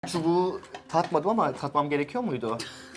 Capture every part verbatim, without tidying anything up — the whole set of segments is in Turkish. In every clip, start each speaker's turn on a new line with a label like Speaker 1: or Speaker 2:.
Speaker 1: Çubuğu tatmadım ama tatmam gerekiyor muydu?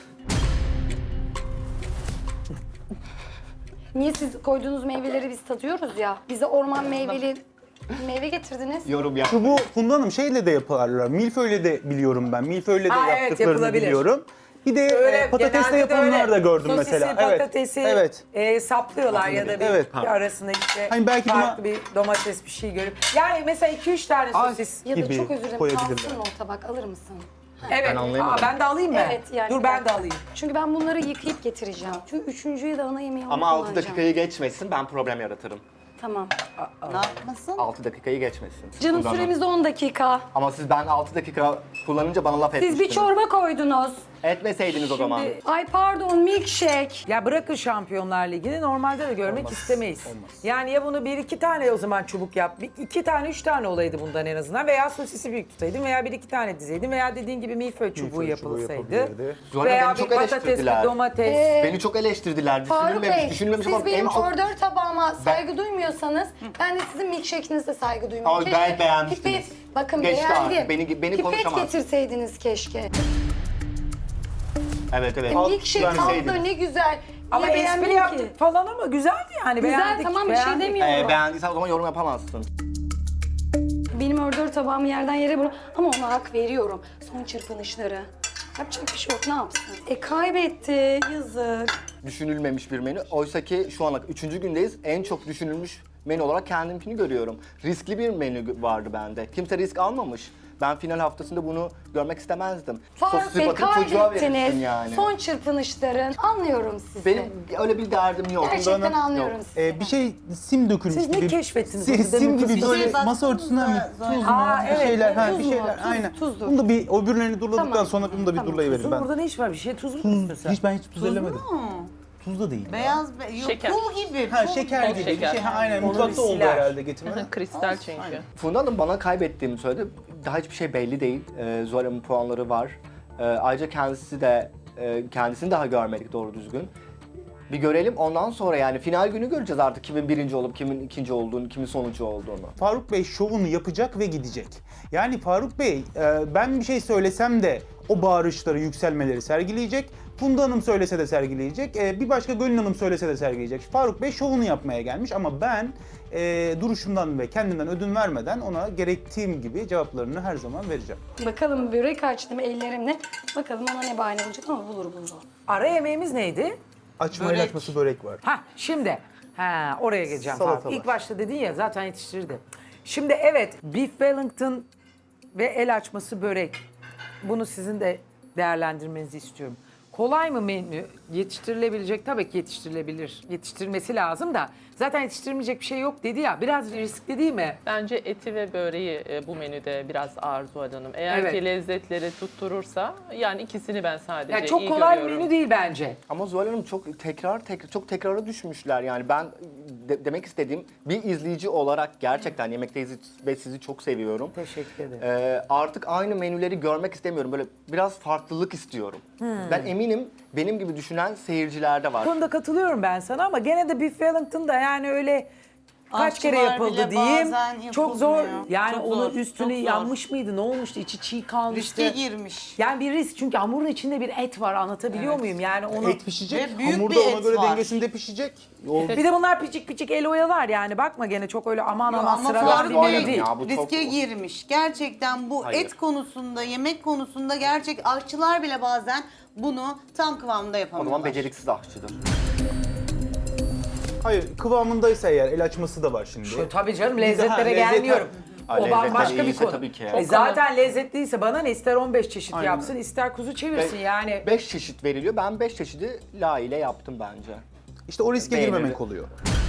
Speaker 2: Niye siz koyduğunuz meyveleri biz tadıyoruz ya? Bize orman meyveli meyve getirdiniz.
Speaker 1: Yorum ya.
Speaker 3: Bu Funda Hanım şeyle de yaparlar. Milföy'le de biliyorum ben. Milföy'le de
Speaker 4: Aa, evet,
Speaker 3: yaptıklarını
Speaker 4: yapılabilir.
Speaker 3: biliyorum. Bir de
Speaker 4: Öyle,
Speaker 3: e, patatesle
Speaker 4: genelde de
Speaker 3: yapanlar
Speaker 4: öyle
Speaker 3: da gördüm
Speaker 4: sosisi,
Speaker 3: mesela.
Speaker 4: patatesi
Speaker 3: Evet.
Speaker 4: e, saplıyorlar ya da bir,
Speaker 3: Evet.
Speaker 4: bir arasında işte
Speaker 3: Hani belki
Speaker 4: farklı
Speaker 3: buna-
Speaker 4: bir domates bir şey görüp. Yani mesela iki üç tane
Speaker 1: Ay.
Speaker 4: sosis.
Speaker 2: Ya da
Speaker 3: gibi
Speaker 2: çok özür dilerim
Speaker 3: koyabilirler.
Speaker 2: kalsın mı o tabak alır mısın?
Speaker 4: Evet.
Speaker 1: Ben anlayamadım.
Speaker 4: Aa, ben de alayım mı?
Speaker 2: Evet yani.
Speaker 4: Dur
Speaker 2: bir
Speaker 4: ben de
Speaker 2: dakika.
Speaker 4: alayım.
Speaker 2: Çünkü ben bunları yıkayıp getireceğim. Çünkü üçüncüyü de ana yemeği
Speaker 1: Ama altı
Speaker 2: kullanacağım.
Speaker 1: dakikayı geçmesin, ben problem yaratırım.
Speaker 2: Tamam.
Speaker 5: Ne yapmasın?
Speaker 1: altı dakikayı geçmesin.
Speaker 2: Canım
Speaker 1: Kullanın.
Speaker 2: süremiz on dakika.
Speaker 1: Ama siz ben altı dakika kullanınca bana laf
Speaker 2: Siz
Speaker 1: etmiştiniz.
Speaker 2: bir çorba koydunuz.
Speaker 1: Etmeseydiniz o zaman.
Speaker 2: Ay pardon milkshake.
Speaker 4: Ya bırakın Şampiyonlar Ligi'ni normalde de görmek istemeyiz. Yani ya bunu bir iki tane o zaman çubuk yap. Bir, iki tane üç tane olaydı bundan en azından. Veya sosisi büyük tutaydın veya bir iki tane dizeydin. Veya dediğin gibi milföy çubuğu
Speaker 3: Milföy çubuğu
Speaker 4: yapılsaydı.
Speaker 3: yapabilirdi.
Speaker 1: Zuhal
Speaker 4: Veya
Speaker 1: Hanım
Speaker 4: bir
Speaker 1: çok
Speaker 4: patates,
Speaker 1: eleştirdiler.
Speaker 4: bir domates.
Speaker 2: Ee,
Speaker 1: Beni çok eleştirdiler.
Speaker 2: Faruk
Speaker 1: Düşünülmemiş,
Speaker 2: Bey,
Speaker 1: düşünülmemiş
Speaker 2: siz
Speaker 1: ama
Speaker 2: benim
Speaker 1: en çok...
Speaker 2: ordör tabağıma saygı duymuyorsanız ben de sizin milkshake'inize saygı duymuyorum.
Speaker 1: Ay, gayet beğenmiştiniz.
Speaker 2: Pipet, bakın
Speaker 1: Geçti
Speaker 2: beğendim.
Speaker 1: artık, beni- beni
Speaker 2: Pipet
Speaker 1: konuşamaz.
Speaker 2: getirseydiniz keşke.
Speaker 1: Evet evet.
Speaker 2: E, milkshake
Speaker 1: Verseydiniz.
Speaker 2: tatlı ne güzel.
Speaker 4: Ama
Speaker 2: Niye
Speaker 4: espri
Speaker 2: beğenmedin ki?
Speaker 4: yaptık falan ama güzeldi yani.
Speaker 2: Güzel
Speaker 4: beğendik,
Speaker 2: tamam bir şey
Speaker 4: beğendik.
Speaker 2: demiyorum.
Speaker 1: Ee, beğendiysen o zaman yorum yapamazsın.
Speaker 2: Benim ordör tabağımı yerden yere bırak ama ona hak veriyorum. Son çırpınışları. Yapacak bir şey yok ne yapsın? E kaybetti yazık.
Speaker 1: Düşünülmemiş bir menü. Oysa ki şu ana üçüncü gündeyiz. En çok düşünülmüş menü olarak kendimkini görüyorum. Riskli bir menü vardı bende. Kimse risk almamış. Ben final haftasında bunu görmek istemezdim.
Speaker 2: Faruk
Speaker 1: Sosisi
Speaker 2: Bey
Speaker 1: bakıp çocuğa verirsin
Speaker 2: kaybettiniz.
Speaker 1: yani.
Speaker 2: Son çırpınışların. Anlıyorum sizi.
Speaker 1: Benim öyle bir derdim yok.
Speaker 2: Gerçekten
Speaker 3: Hanım,
Speaker 2: anlıyorum
Speaker 1: yok.
Speaker 2: sizi.
Speaker 3: E, bir şey sim dökülmüş
Speaker 4: Siz ne
Speaker 3: gibi.
Speaker 4: keşfettiniz
Speaker 3: Si-
Speaker 4: orada?
Speaker 3: sim
Speaker 4: Demin
Speaker 3: gibi
Speaker 4: kız-
Speaker 3: böyle
Speaker 5: Bir şey
Speaker 3: masa örtüsünden mi?
Speaker 5: baksanıza,
Speaker 3: Tuz mu?
Speaker 4: Aa,
Speaker 3: bir
Speaker 4: evet,
Speaker 3: şeyler.
Speaker 4: evet,
Speaker 3: Ha,
Speaker 2: tuz
Speaker 3: bir
Speaker 2: mu?
Speaker 3: şeyler.
Speaker 2: Tuz-
Speaker 3: aynen.
Speaker 2: tuzdur.
Speaker 3: Bunu da bir öbürlerini durladıktan
Speaker 2: Tamam.
Speaker 3: sonra bunu da bir
Speaker 2: Tamam.
Speaker 3: durlayıverin
Speaker 4: Kızım
Speaker 3: ben.
Speaker 4: burada ne iş var? Bir şey tuz mu tutuyorsun sen?
Speaker 3: Hiç ben hiç tuz ellemedim.
Speaker 5: mu?
Speaker 3: Tuz da değil.
Speaker 5: Beyaz, be yok,
Speaker 6: Şeker.
Speaker 5: pul gibi.
Speaker 3: Ha
Speaker 5: pul
Speaker 3: şeker
Speaker 5: gibi.
Speaker 3: gibi bir
Speaker 6: şeker.
Speaker 3: şey. Ha, aynen
Speaker 4: Onu
Speaker 3: mutfakta oldu
Speaker 4: siler.
Speaker 3: herhalde getirme.
Speaker 6: Kristal çünkü.
Speaker 1: Funda Hanım bana kaybettiğimi söyledi. Daha hiçbir şey belli değil. Ee, Zuhal Hanım'ın puanları var. Ee, ayrıca kendisi de, e, kendisini daha görmedik doğru düzgün. Bir görelim ondan sonra yani final günü göreceğiz artık kimin birinci olup kimin ikinci olduğunu, kimin sonuncu olduğunu.
Speaker 3: Faruk Bey şovunu yapacak ve gidecek. Yani Faruk Bey e, ben bir şey söylesem de o bağırışları, yükselmeleri sergileyecek. Funda Hanım söylese de sergileyecek. E, bir başka Gönül Hanım söylese de sergileyecek. Faruk Bey şovunu yapmaya gelmiş ama ben e, duruşumdan ve kendimden ödün vermeden ona gerektiğim gibi cevaplarını her zaman vereceğim.
Speaker 2: Bakalım börek açtım ellerimle. Bakalım ona ne bahane bulacak ama bulur bulur.
Speaker 4: Ara yemeğimiz neydi?
Speaker 3: Açma
Speaker 5: Börek.
Speaker 3: el açması börek var.
Speaker 4: Ha şimdi. Ha oraya geleceğim.
Speaker 3: Salata
Speaker 4: Faruk. İlk
Speaker 3: var.
Speaker 4: başta dedin ya zaten yetiştirdi. Şimdi evet Beef Wellington ve el açması börek. Bunu sizin de değerlendirmenizi istiyorum. Kolay mı menü? Yetiştirilebilecek tabii ki yetiştirilebilir. Yetiştirilmesi lazım da zaten yetiştirilmeyecek bir şey yok dedi ya. Biraz riskli değil mi?
Speaker 6: Bence eti ve böreği e, bu menüde biraz ağır Zuhal Hanım. Eğer
Speaker 4: Evet.
Speaker 6: ki lezzetleri tutturursa yani ikisini ben sadece
Speaker 4: Yani çok
Speaker 6: iyi
Speaker 4: kolay bir
Speaker 6: görüyorum.
Speaker 4: menü değil bence.
Speaker 1: Ama Zuhal Hanım çok tekrar tekrar çok tekrara düşmüşler yani ben de- demek istediğim bir izleyici olarak gerçekten Yemekteyiz ve sizi çok seviyorum.
Speaker 4: Teşekkür ederim.
Speaker 1: Ee, artık aynı menüleri görmek istemiyorum. Böyle biraz farklılık istiyorum. Ben eminim benim gibi düşünen seyirciler de var.
Speaker 4: Bu konuda katılıyorum ben sana ama gene de Beef Wellington da yani öyle kaç kere
Speaker 5: Aşçılar
Speaker 4: yapıldı
Speaker 5: bile
Speaker 4: diyeyim.
Speaker 5: bazen
Speaker 4: Çok zor.
Speaker 5: yapılmıyor.
Speaker 4: Yani
Speaker 5: Çok
Speaker 4: onun
Speaker 5: zor,
Speaker 4: üstünü
Speaker 5: çok zor.
Speaker 4: yanmış mıydı? Ne olmuştu? İçi çiğ kalmıştı.
Speaker 5: Riske girmiş.
Speaker 4: Yani bir risk çünkü hamurun içinde bir et var anlatabiliyor muyum? Yani onu
Speaker 3: Et pişecek,
Speaker 5: Ve büyük
Speaker 3: hamur
Speaker 5: bir
Speaker 3: da ona
Speaker 5: et
Speaker 3: göre
Speaker 5: var.
Speaker 3: dengesinde pişecek. O
Speaker 4: bir de bunlar piçik piçik el oyalar yani bakma gene çok öyle aman
Speaker 5: Yo,
Speaker 4: aman
Speaker 5: ama
Speaker 4: sıralar
Speaker 5: Faruk
Speaker 4: bir
Speaker 1: Faruk
Speaker 4: menü
Speaker 1: Bey
Speaker 4: değil.
Speaker 1: ya, bu çok-
Speaker 5: riske girmiş. Gerçekten bu
Speaker 1: Hayır.
Speaker 5: et konusunda, yemek konusunda gerçek aşçılar bile bazen bunu tam kıvamda
Speaker 1: O
Speaker 5: yapamıyorlar.
Speaker 1: zaman beceriksiz aşçıdır.
Speaker 3: Hayır, kıvamındaysa eğer el açması da var şimdi.
Speaker 4: Şu, tabii canım
Speaker 3: Bir de-
Speaker 4: lezzetlere
Speaker 3: ha, lezzet-
Speaker 4: gelmiyorum.
Speaker 1: Ha,
Speaker 4: O
Speaker 1: lezzetler
Speaker 4: bambaşka bir
Speaker 1: iyiyse
Speaker 4: konu.
Speaker 1: tabii ki.
Speaker 4: E
Speaker 1: Çok
Speaker 4: zaten lezzetliyse bana ne ister on beş çeşit
Speaker 3: Aynen.
Speaker 4: yapsın ister kuzu çevirsin yani.
Speaker 1: Beş çeşit veriliyor. Ben beş çeşidi layığıyla yaptım bence.
Speaker 3: İşte o riske
Speaker 1: Beğenildi.
Speaker 3: girmemek oluyor.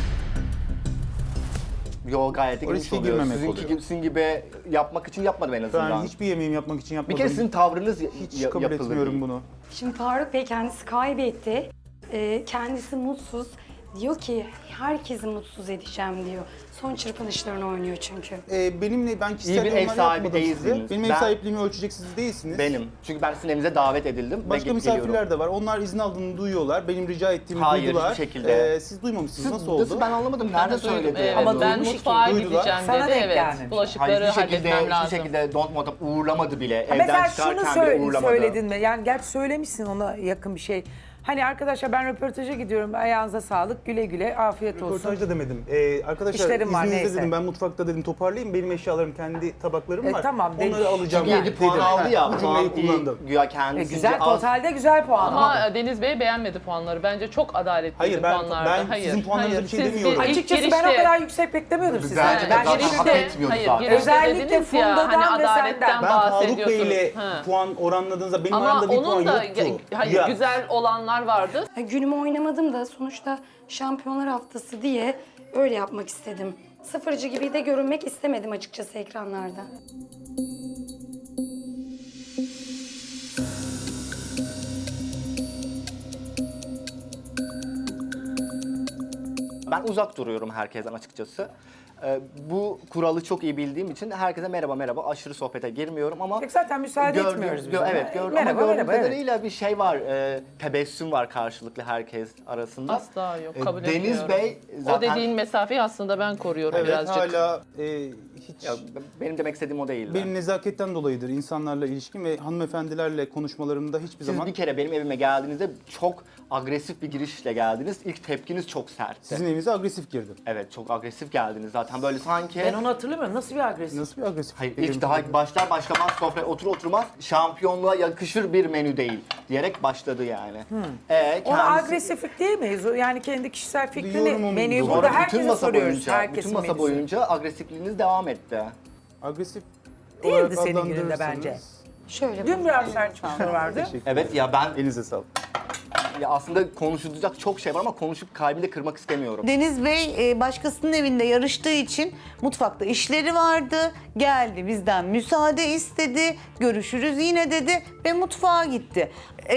Speaker 1: Yo gayet de
Speaker 3: O
Speaker 1: girmiş
Speaker 3: riske
Speaker 1: oluyor.
Speaker 3: girmemek
Speaker 1: Sizinki,
Speaker 3: oluyor.
Speaker 1: gibi, sizin gibi yapmak için yapmadım en azından.
Speaker 3: Ben hiçbir yemeğim yapmak için
Speaker 1: Bir
Speaker 3: yapmadım.
Speaker 1: kere sizin tavrınız ya-
Speaker 3: hiç
Speaker 1: ya-
Speaker 3: kabul
Speaker 1: yapılır
Speaker 3: etmiyorum
Speaker 1: değil.
Speaker 3: bunu.
Speaker 2: Şimdi Faruk Bey kendisi kaybetti. Ee, kendisi mutsuz. Diyor ki herkesi mutsuz edeceğim diyor. Son çırpınışlarını oynuyor çünkü.
Speaker 3: Ee, benimle ben kişisel
Speaker 1: İyi bir ev
Speaker 3: yorumlar
Speaker 1: sahibi
Speaker 3: yapmadım size.
Speaker 1: değilsiniz.
Speaker 3: Benim ev
Speaker 1: Ben-
Speaker 3: sahipliğimi ölçecek siz değilsiniz.
Speaker 1: Benim. Çünkü ben sizin evinize davet edildim. ve
Speaker 3: Başka
Speaker 1: ge-
Speaker 3: misafirler
Speaker 1: geliyorum.
Speaker 3: de var. Onlar izin aldığını duyuyorlar. Benim rica ettiğimi
Speaker 1: Hayır,
Speaker 3: duydular.
Speaker 1: hiçbir şekilde.
Speaker 3: Ee, siz duymamışsınız.
Speaker 1: Siz
Speaker 3: Nasıl oldu?
Speaker 1: nasıl ben anlamadım.
Speaker 6: Ben
Speaker 1: Nerede
Speaker 6: de duydum,
Speaker 1: söyledi?
Speaker 6: evet.
Speaker 4: Ama
Speaker 6: ben
Speaker 4: duymuş
Speaker 6: mutfağa
Speaker 3: ki, duydular.
Speaker 6: gideceğim
Speaker 4: Sana
Speaker 6: dedi.
Speaker 4: denk
Speaker 6: Evet.
Speaker 4: gelmemiş.
Speaker 1: Hayır,
Speaker 6: Bulaşıkları
Speaker 1: hiçbir şekilde,
Speaker 6: halletmem
Speaker 1: hiçbir
Speaker 6: lazım.
Speaker 1: şekilde don't want to uğurlamadı bile.
Speaker 4: Ha,
Speaker 1: Evden
Speaker 4: mesela
Speaker 1: çıkarken
Speaker 4: şunu
Speaker 1: bile
Speaker 4: söyle,
Speaker 1: uğurlamadı.
Speaker 4: söyledin mi? Yani gerçi söylemişsin, ona yakın bir şey. Hani arkadaşlar ben röportaja gidiyorum, ayağınıza sağlık, güle güle, afiyet olsun.
Speaker 3: Röportajda demedim. Ee, arkadaşlar
Speaker 4: İşlerim var,
Speaker 3: izninizle
Speaker 4: neyse.
Speaker 3: dedim, ben mutfakta dedim toparlayayım. Benim eşyalarım, kendi tabaklarım
Speaker 4: E,
Speaker 3: var.
Speaker 4: tamam,
Speaker 3: Onları
Speaker 4: dedim.
Speaker 3: alacağım.
Speaker 1: Çünkü
Speaker 3: dedim.
Speaker 1: yedi puan aldı ya.
Speaker 3: Bu cümleyi
Speaker 1: puan iyi,
Speaker 3: kullandım.
Speaker 1: Güya
Speaker 4: E,
Speaker 1: kendisi
Speaker 4: güzel,
Speaker 1: az.
Speaker 4: totalde güzel puan.
Speaker 6: Ama Deniz Bey beğenmedi puanları. Bence çok adaletliydi
Speaker 3: Hayır, ben-
Speaker 6: puanlarda.
Speaker 3: ben
Speaker 6: hayır,
Speaker 3: sizin puanlarınıza
Speaker 6: hayır.
Speaker 3: bir şey
Speaker 6: Siz
Speaker 3: demiyorum.
Speaker 6: ilk
Speaker 4: Açıkçası ben o
Speaker 6: girişte-
Speaker 4: kadar yüksek beklemiyordum sizden.
Speaker 1: Bence de
Speaker 4: Ben
Speaker 1: zaten
Speaker 4: girişte-
Speaker 1: hak etmiyordu
Speaker 6: hayır,
Speaker 1: zaten.
Speaker 6: girişte
Speaker 4: Özellikle
Speaker 6: dediniz ya,
Speaker 4: Funda'dan
Speaker 6: hani
Speaker 4: ve
Speaker 6: adaletten
Speaker 4: senden.
Speaker 3: Ben Faruk Bey
Speaker 6: bahsediyorsunuz.
Speaker 3: ile
Speaker 6: Ha.
Speaker 3: puan oranladığınızda benim
Speaker 6: Ama
Speaker 3: aramda bir puan
Speaker 6: onun da
Speaker 3: yoktu.
Speaker 6: hayır,
Speaker 3: Ya.
Speaker 6: güzel olanlar vardı.
Speaker 2: Ya günümü oynamadım da sonuçta şampiyonlar haftası diye öyle yapmak istedim. Sıfırcı gibi de görünmek istemedim açıkçası ekranlarda.
Speaker 1: Ben uzak duruyorum herkesten açıkçası. Ee, bu kuralı çok iyi bildiğim için herkese merhaba merhaba aşırı sohbete girmiyorum ama
Speaker 4: Peki zaten müsaade
Speaker 1: gördüğüm-
Speaker 4: etmiyoruz biz
Speaker 1: gö-
Speaker 4: ona.
Speaker 1: Evet, gördüm
Speaker 4: Merhaba,
Speaker 1: ama gördüğüm
Speaker 4: merhaba, evet.
Speaker 1: kadarıyla bir şey var, e, tebessüm var karşılıklı herkes arasında.
Speaker 6: Asla yok,
Speaker 1: E,
Speaker 6: kabul
Speaker 1: Deniz
Speaker 6: etmiyorum.
Speaker 1: Bey zaten...
Speaker 6: O dediğin mesafeyi aslında ben koruyorum
Speaker 3: Evet,
Speaker 6: birazcık.
Speaker 3: hala e, hiç...
Speaker 1: Ya, benim demek istediğim o değil.
Speaker 3: Benim nezaketten dolayıdır insanlarla ilişkim ve hanımefendilerle konuşmalarımda hiçbir
Speaker 1: Siz
Speaker 3: zaman
Speaker 1: bir kere benim evime geldiğinizde çok agresif bir girişle geldiniz. İlk tepkiniz çok sertti.
Speaker 3: sizin evinize agresif girdim.
Speaker 1: Evet, çok agresif geldiniz zaten böyle sanki...
Speaker 4: Ben onu hatırlamıyorum. Nasıl bir agresif?
Speaker 3: Nasıl bir agresif?
Speaker 1: Hayır, ilk daha başlar başlamaz sofraya otur oturmaz şampiyonluğa yakışır bir menü değil diyerek başladı yani. Ee,
Speaker 4: Ona
Speaker 1: kendisi-
Speaker 4: agresiflik değil mi? Yani kendi kişisel fikrini,
Speaker 3: Yorumum
Speaker 4: menüyü
Speaker 3: bu.
Speaker 4: burada
Speaker 1: Sonra bütün
Speaker 4: herkese
Speaker 1: masa
Speaker 4: soruyoruz.
Speaker 1: boyunca,
Speaker 4: Herkesin
Speaker 1: bütün masa
Speaker 4: menüsü.
Speaker 1: boyunca agresifliğiniz devam etti.
Speaker 3: Agresif
Speaker 4: Değildi
Speaker 3: olarak
Speaker 4: senin gününde
Speaker 3: adlandırırsanız-
Speaker 4: bence.
Speaker 2: Şöyle
Speaker 4: Dün biraz sert çıkışlar vardı.
Speaker 3: Teşekkür
Speaker 1: Evet ya ben
Speaker 3: Elinize sağlık.
Speaker 1: ya aslında konuşulacak çok şey var ama konuşup kalbini de kırmak istemiyorum.
Speaker 5: Deniz Bey e, başkasının evinde yarıştığı için mutfakta işleri vardı. Geldi bizden müsaade istedi. Görüşürüz yine dedi ve mutfağa gitti.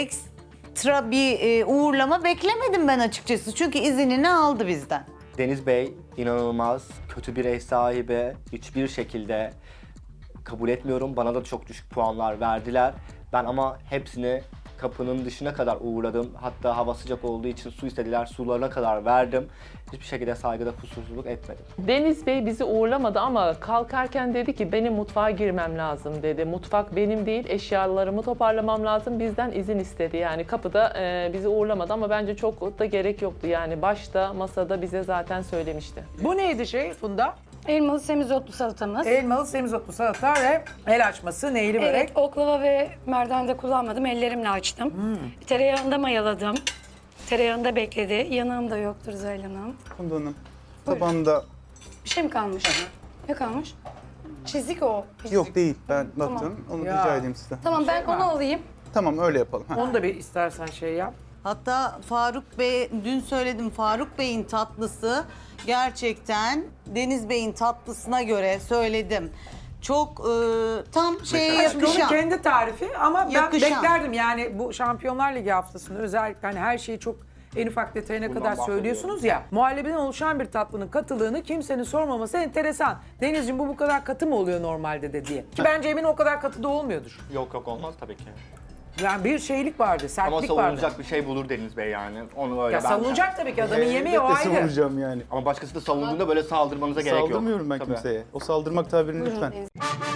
Speaker 5: Ekstra bir e, uğurlama beklemedim ben açıkçası. Çünkü izinini aldı bizden.
Speaker 1: Deniz Bey inanılmaz kötü bir ev sahibi. Hiçbir şekilde kabul etmiyorum. Bana da çok düşük puanlar verdiler. Ben ama hepsini kapının dışına kadar uğradım. Hatta hava sıcak olduğu için su istediler. Sularına kadar verdim. Hiçbir şekilde saygıda kusursuzluk etmedim.
Speaker 6: Deniz Bey bizi uğurlamadı ama kalkarken dedi ki benim mutfağa girmem lazım dedi. Mutfak benim değil, eşyalarımı toparlamam lazım. Bizden izin istedi. Yani kapıda e, bizi uğurlamadı ama bence çok da gerek yoktu. Yani başta masada bize zaten söylemişti.
Speaker 4: Bu neydi şey Funda?
Speaker 2: elmalı semizotlu salatamız.
Speaker 4: Elmalı semizotlu salata ve el açması, neyli börek.
Speaker 2: Evet, oklava ve merdane de kullanmadım. Ellerimle açtım. Tereyağında mayaladım. Tereyağında bekledi. Yanığım da yoktur Zahil Hanım.
Speaker 3: Funda Hanım, tabanda
Speaker 2: Bir şey mi kalmış? Ne kalmış? Çizik o.
Speaker 3: yok değil. Ben
Speaker 2: Tamam.
Speaker 3: baktım. Onu
Speaker 4: Ya.
Speaker 3: rica edeyim sizden.
Speaker 2: Tamam ben onu alayım.
Speaker 3: Tamam, öyle yapalım. Ha.
Speaker 4: Onu da bir istersen şey yap.
Speaker 5: Hatta Faruk Bey, dün söyledim Faruk Bey'in tatlısı gerçekten Deniz Bey'in tatlısına göre söyledim. Çok e, tam şeye
Speaker 4: Çünkü onun
Speaker 5: yakışan.
Speaker 4: kendi tarifi ama ben
Speaker 5: Yakışan.
Speaker 4: beklerdim yani bu Şampiyonlar Ligi haftasında özellikle hani her şeyi çok en ufak detayına
Speaker 1: Bundan
Speaker 4: kadar söylüyorsunuz ya. Muhallebiden oluşan bir tatlının katılığını kimsenin sormaması enteresan. Denizciğim bu bu kadar katı mı oluyor normalde de diye. Ki bence emin o kadar katı da olmuyordur.
Speaker 1: Yok yok olmaz tabii ki.
Speaker 4: Yani bir şeylik vardı,
Speaker 1: Ama
Speaker 4: sertlik vardı.
Speaker 1: savunulacak bir şey bulur Deniz Bey yani. Onu öyle
Speaker 4: Ya
Speaker 1: ben-
Speaker 4: savunacak tabii ki adamın yemeği o
Speaker 3: Elbette
Speaker 4: ayrı.
Speaker 3: savunacağım yani.
Speaker 1: Ama başkası da savunduğunda böyle saldırmanıza gerek yok.
Speaker 3: Saldırmıyorum ben
Speaker 1: Tabii.
Speaker 3: kimseye. O saldırmak tabirini
Speaker 2: Buyurun
Speaker 3: lütfen.
Speaker 2: Deniz.